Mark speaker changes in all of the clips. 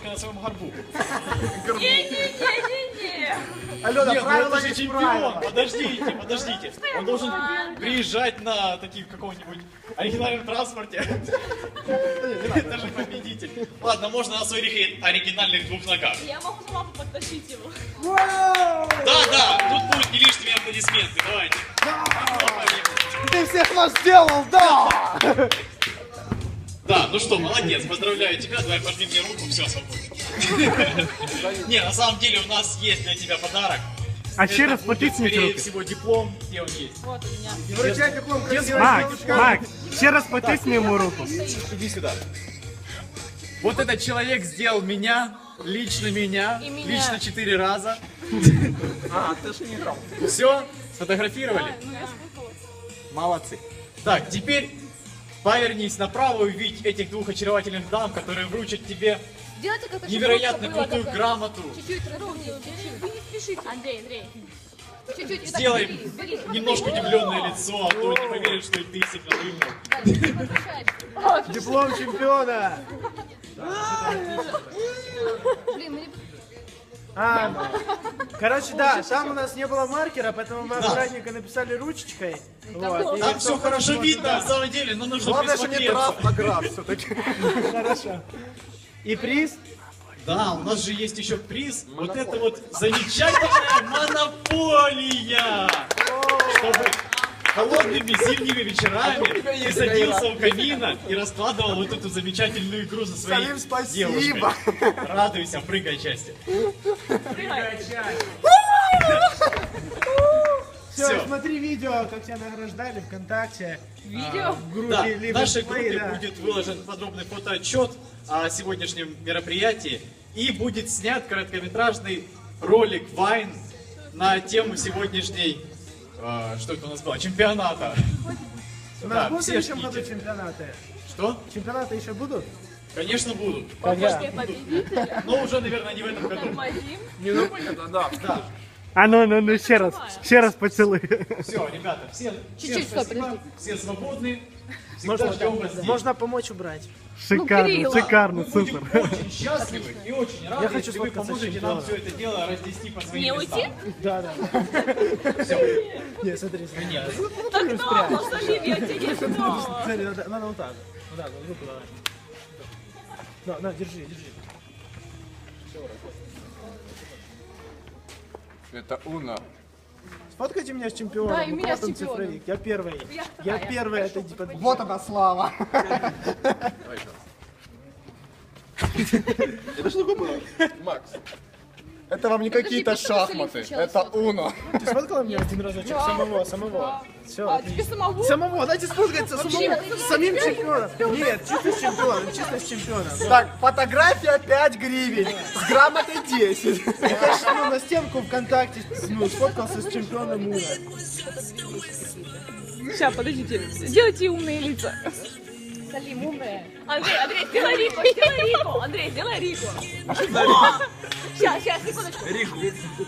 Speaker 1: на своем горбу.
Speaker 2: Не-не-не-не-не.
Speaker 3: Алена,
Speaker 1: Нет, ну
Speaker 3: правила
Speaker 1: это же
Speaker 3: есть
Speaker 1: чемпион.
Speaker 3: правила.
Speaker 1: Подождите. Он должен приезжать на таких каком-нибудь оригинальном транспорте. Это же победитель. Ладно, можно на своих оригинальных двух ногах.
Speaker 2: Я могу за лапу подтащить его.
Speaker 1: Да, тут будут не лишние аплодисменты. Давайте.
Speaker 3: Ты всех нас сделал, да!
Speaker 1: Да, ну что, молодец, поздравляю тебя, давай пожми мне руку, все, свободен. Не, на самом деле у нас есть для тебя подарок.
Speaker 4: А ще раз
Speaker 1: будет,
Speaker 4: потисніть
Speaker 1: скорее
Speaker 4: руки.
Speaker 1: всего, диплом, где он есть.
Speaker 2: Вот у меня.
Speaker 3: И вручай диплом красивой
Speaker 4: Макс,
Speaker 3: девушке.
Speaker 4: Макс, ще раз потисни йому руку.
Speaker 1: Иди сюда. Вот этот человек сделал меня, лично меня,
Speaker 2: И меня.
Speaker 1: лично 4 раза.
Speaker 3: А, ты же не играл.
Speaker 1: Все, сфотографировали?
Speaker 2: Ну, я спуталась.
Speaker 1: Молодцы. Так, теперь повернись направо и увидь этих двух очаровательных дам, которые вручат тебе
Speaker 2: Делайте как-то, чтобы
Speaker 1: невероятно
Speaker 2: было
Speaker 1: крутую
Speaker 2: такое.
Speaker 1: грамоту.
Speaker 2: Чуть-чуть разумнее, чуть-чуть. Вы не спешите. Андрей. Чуть-чуть. Вот так
Speaker 1: Сделай
Speaker 2: бери.
Speaker 1: немножко удивленное лицо, а то не поверят, что и ты сильно вымыл.
Speaker 2: Да, чуть-чуть возвращаешь.
Speaker 3: Диплом чемпиона.
Speaker 2: Блин, мы не...
Speaker 3: Короче, да, там у нас не было маркера, поэтому мы аккуратненько написали ручечкой. Вот, и
Speaker 1: Там все хорошо видно, на самом деле, но нужно
Speaker 3: главное, что не
Speaker 1: присмотреться.
Speaker 3: трав, а граф все-таки. Хорошо. И приз?
Speaker 1: Да, у нас же есть еще приз. Вот это вот замечательная монополия. Чтобы холодными зимними вечерами ты садился у камина и раскладывал вот эту замечательную игру за своей
Speaker 3: Самим спасибо.
Speaker 1: девушкой. Радуйся, прыгай части.
Speaker 3: Все,
Speaker 1: Всё.
Speaker 3: смотри видео, как тебя награждали ВКонтакте.
Speaker 2: Видео?
Speaker 3: В группе
Speaker 1: Да, в
Speaker 3: Live
Speaker 1: нашей
Speaker 3: and Play,
Speaker 1: группе
Speaker 3: да.
Speaker 1: будет выложен подробный фотоотчет о сегодняшнем мероприятии и будет снят короткометражный ролик Вайн на тему сегодняшней, что это у нас было, чемпионата.
Speaker 3: У нас
Speaker 1: Да,
Speaker 3: будут в
Speaker 1: все
Speaker 3: следующем году
Speaker 1: ждите.
Speaker 3: чемпионаты?
Speaker 1: Что?
Speaker 3: Чемпионаты еще будут?
Speaker 1: Конечно, будут.
Speaker 3: Когда?
Speaker 2: Победитель.
Speaker 1: Но уже, наверное, не в этом году.
Speaker 2: Вадим.
Speaker 1: Да.
Speaker 4: А ну, ще раз поцілуй.
Speaker 1: Все, ребята, всем
Speaker 2: Чуть-чуть, стоп,
Speaker 1: спасибо,
Speaker 2: подожди.
Speaker 1: все свободны. Всегда ждем вас здесь.
Speaker 3: Можно помочь убрать.
Speaker 4: Шикарно, шикарно,
Speaker 1: Мы будем
Speaker 4: супер.
Speaker 1: очень счастливы и очень рады,
Speaker 3: Я хочу
Speaker 1: если вы
Speaker 3: сфоткаться с
Speaker 1: поможете нам
Speaker 3: чемпионом.
Speaker 1: все это дело разнести по своим
Speaker 2: Не
Speaker 1: местам.
Speaker 2: уйти?
Speaker 3: Да, да.
Speaker 1: Все.
Speaker 3: Не, смотри, смотри.
Speaker 1: Нет.
Speaker 2: Так дома, Салим, я тебе не дома.
Speaker 3: Смотри, надо вот так. Вот так, вот руку давай. На, держи.
Speaker 5: Это Уна.
Speaker 3: Сфоткайте меня с чемпионом.
Speaker 2: Да, и меня с
Speaker 3: вот он,
Speaker 2: чемпионом.
Speaker 3: цифровик. Я первый.
Speaker 2: Я
Speaker 3: Я
Speaker 2: вторая.
Speaker 3: первый, это типа...
Speaker 5: Вот она слава. Это что было? Макс. Это вам не какие-то
Speaker 2: просто Василий
Speaker 5: шахматы.
Speaker 2: сначала
Speaker 5: Это Уно.
Speaker 3: Ты сфоткала меня один разочек? Самого. Все,
Speaker 2: А тебе самого?
Speaker 3: Самого, дайте сфоткаться самому, с самим чемпионом. Нет, чисто с чемпионом.
Speaker 5: Так, фотография 5 гривен. С грамотой 10.
Speaker 3: Я ж, ну, на стенку ВКонтакте, ну, сфоткался с чемпионом Уна.
Speaker 2: Сейчас, подождите. Сделайте умные лица. Салим, умная. Андрей, сделай Рику. Андрей, сделай Рику. Сейчас, секундочку. Рику.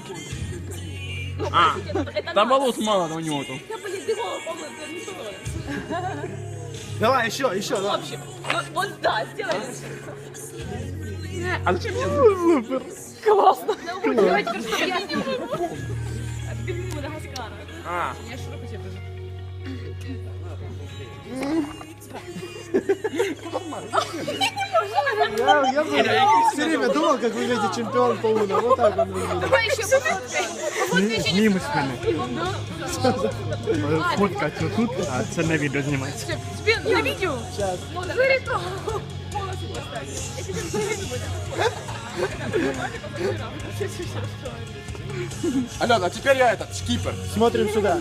Speaker 6: Там волос мало у него там.
Speaker 2: Я, блин, ты голову помню, это не то.
Speaker 3: Давай, еще,
Speaker 2: В
Speaker 3: да.
Speaker 2: общем, вот да, сделай.
Speaker 6: А зачем мне?
Speaker 4: Супер.
Speaker 2: Классно. Давайте, теперь чтобы я не могу. Бегу Мадагаскара.
Speaker 6: А,
Speaker 2: Я широко тебе покажу.
Speaker 3: Я все время думал, как выглядит чемпион по Уна. Вот так он выглядит.
Speaker 2: Давай еще пофоткай.
Speaker 4: Мимо спини. Фоткать отут, а це на відео знімається.
Speaker 2: Тебе на видео? Сейчас. Зарито. Полностью поставь. Я тебе зарито буду.
Speaker 5: Алена, а теперь я этот, шкипер.
Speaker 3: Смотрим сюда.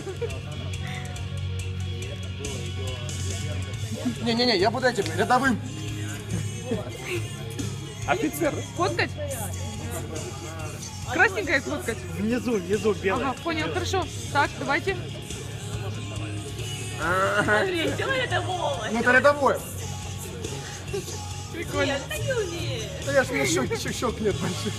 Speaker 5: Не-не-не, я буду этим рядовым.
Speaker 6: офицер.
Speaker 7: Фоткать? Красненькое фоткать?
Speaker 4: Внизу, белый.
Speaker 7: Ага, понял, хорошо. Так, давайте.
Speaker 2: Андрей, сделай это волос.
Speaker 5: Ну это рядовой.
Speaker 2: Нет, так не умеешь.
Speaker 5: Да я ж у меня щек нет больших.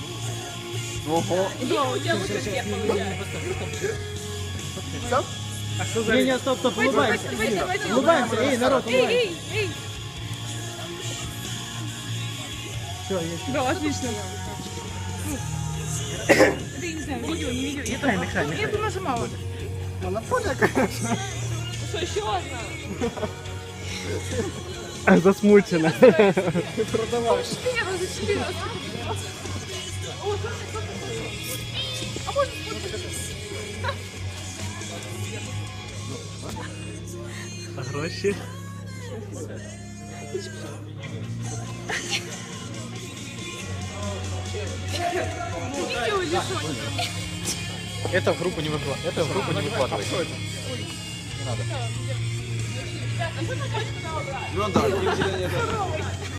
Speaker 5: Ого.
Speaker 2: Дима, у тебя будет успех получается.
Speaker 5: Все?
Speaker 3: Не, стоп, улыбаемся.
Speaker 2: Давайте.
Speaker 3: Улыбаемся, эй, народ, улыбаемся.
Speaker 2: Эй.
Speaker 3: Все, есть.
Speaker 7: Да, отлично. Это я не знаю, видео, не видео. Я бы нажимала.
Speaker 5: Монополия, конечно.
Speaker 2: Что еще одна?
Speaker 4: Засмучена.
Speaker 5: Продаваешь.
Speaker 4: Гроші.
Speaker 1: Это в группу не выкладывай. Это в группу не выкладывай.
Speaker 5: Ну да,